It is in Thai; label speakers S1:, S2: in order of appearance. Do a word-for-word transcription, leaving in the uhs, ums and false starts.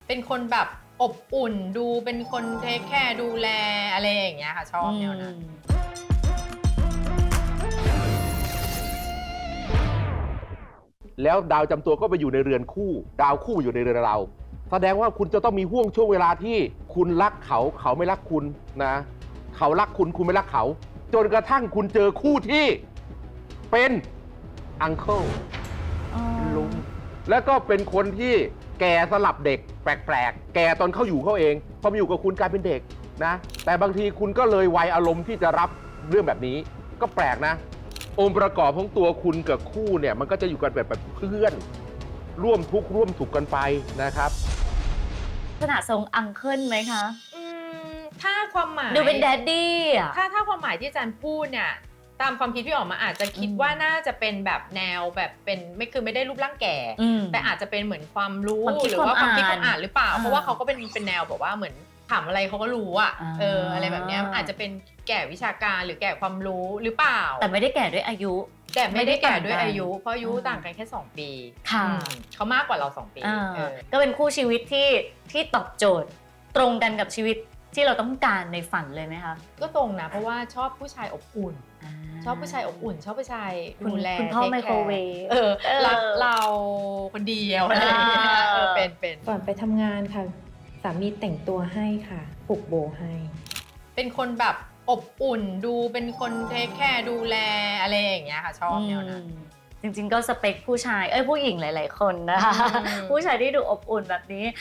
S1: เป็นคนแบบอบอุ่นดูเป็นคนเทคแคร์ดูแลอะไรอย่างเงี้ยค่ะชอบแนวนั้น
S2: แล้วดาวจำตัวก็ไปอยู่ในเรือนคู่ดาวคู่อยู่ในเรือนเราแสดงว่าคุณจะต้องมีห่วงช่วงเวลาที่คุณรักเขาเขาไม่รักคุณนะเขารักคุณคุณไม่รักเขาจนกระทั่งคุณเจอคู่ที่เป็นอังเคิลลุงแล้วก็เป็นคนที่แก่สลับเด็กแปลกๆแก่ตอนเขาอยู่เขาเองพอมาอยู่กับคุณกลายเป็นเด็กนะแต่บางทีคุณก็เลยวัยอารมณ์ที่จะรับเรื่องแบบนี้ก็แปลกนะองค์ประกอบของตัวคุณกับคู่เนี่ยมันก็จะอยู่กันแบบแบบเพื่อนร่วมทุกข์ร่วมสุขกันไปนะครับ
S3: ขนาดทรงอังเคิลไหมคะ
S1: อืมถ้าความหมาย
S3: ดูเป็นแดดดี้อะ
S1: ถ้าถ้าความหมายที่อาจารย์พูดเนี่ยตามความคิดพี่ออกมาอาจจะคิดว่าน่าจะเป็นแบบแนวแบบเป็นไม่คือไม่ได้รูปร่างแก่แต่อาจจะเป็นเหมือนความรู้หรือว่าความคิดความอ่านหรือเปล่าเพราะว่าเขาก็เป็นเป็นแนวแบบว่าเหมือนถามอะไรเขาก็รู้อะเอออะไรแบบนี้อาจจะเป็นแก่วิชาการหรือแก่ความรู้หรือเปล่า
S3: แต่ไม่ได้แก่ด้วยอายุ
S1: แต่ไม่ได้แก่ด้วยอายุเพราะอายุต่างกันแค่สองปี
S3: ค่ะ
S1: เขามากกว่าเราสองปี
S3: ก็เป็นคู่ชีวิตที่ที่ตอบโจทย์ตรงกันกับชีวิตที่เราต้องการในฝันเลยไหมคะ
S1: ก็ตรงนะเพราะว่าชอบผู้ชายอบอุ่นชอบผู้ชายอบอุ่นชอบผู้ชายดูแล
S3: คุณพ่อไมโครเวฟ
S1: เออรักเราคนเดียวอะไรอย่างเงี้ยเออเป็นเป็น
S4: ก่อนไปทำงานค่ะสามีแต่งตัวให้ค่ะผูกโบให้
S1: เป็นคนแบบอบอุ่นดูเป็นคนเทคแคร์ดูแลอะไรอย่างเงี้ยค่ะชอบแนวนั้น
S3: จริงๆก็สเปคผู้ชายเอ้ยผู้หญิงหลายๆคนนะคะผู้ชายที่ดูอบอุ่นแบบนี้